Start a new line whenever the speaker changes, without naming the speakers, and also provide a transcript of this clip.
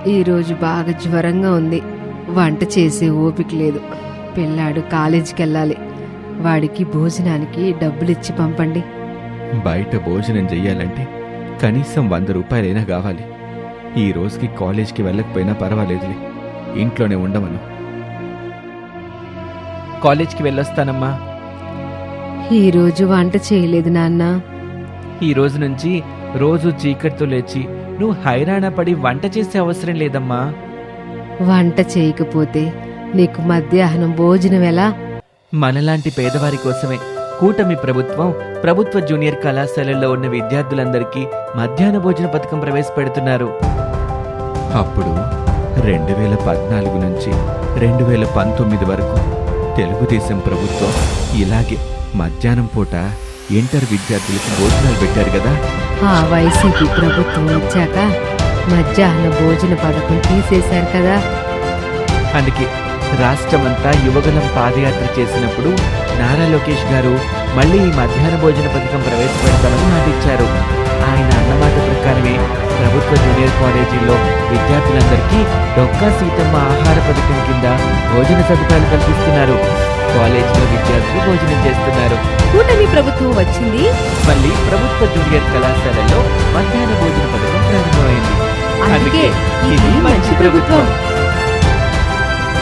ఈరోజు బాగా జ్వరంగా ఉంది. వంట చేసే ఓపిక లేదు. పిల్లాడు కాలేజీకి వెళ్ళాలి. వాడికి భోజనానికి డబ్బులిచ్చి పంపండి.
బయట భోజనం చెయ్యాలంటే కనీసం 100 రూపాయలైనా కావాలి. ఈ రోజుకి కాలేజ్కి వెళ్ళకపోయినా పర్వాలేదులే, ఇంట్లోనే ఉండమను. కాలేజ్కి వెళ్ళొస్తానమ్మా.
ఈరోజు వంట చేయలేదు నాన్న.
ఈ రోజు నుంచి రోజు చీకటితో లేచి నువ్వు హైరాణ పడి వంట చేసే అవసరం లేదమ్మా.
వంట చేయకపోతే నీకు మధ్యాహ్నం భోజనం ఎలా?
మనలాంటి పేదవారి కోసమే కూటమి ప్రభుత్వం ప్రభుత్వ జూనియర్ కళాశాలల్లో ఉన్న విద్యార్థులందరికీ మధ్యాహ్న భోజన పథకం ప్రవేశపెడుతున్నారు. అప్పుడు 2014 నుంచి 2019 వరకు తెలుగుదేశం ప్రభుత్వం ఇలాగే మధ్యాహ్నం పూట ఇంటర్ విద్యార్థులకు భోజనాలు పెట్టారు కదా.
ఆ వైసీపీ ప్రభుత్వం వచ్చాక మధ్యాహ్న భోజన పథకం తీసేశారు కదా.
అందుకే రాష్ట్రమంతా యువగలం పాదయాత్ర చేసినప్పుడు నారా లోకేష్ గారు మళ్ళీ ఈ మధ్యాహ్న భోజన పథకం ప్రవేశపెడతామని మాటిచ్చారు. ఆయన అన్నమాట ప్రకారమే ప్రభుత్వ జూనియర్ కాలేజీల్లో విద్యార్థులందరికీ డొక్కా సీతమ్మ ఆహార పథకం కింద భోజన సదుపాయాలు కల్పిస్తున్నారు. కాలేజీలో విద్యార్థులు భోజనం చేస్తున్నారు.
కూటమి ప్రభుత్వం వచ్చింది.
మళ్ళీ ప్రభుత్వ జూనియర్ కళాశాలలో మధ్యాహ్న భోజన పథకం ప్రారంభమైంది.
అందుకే ఇది మంచి ప్రభుత్వం.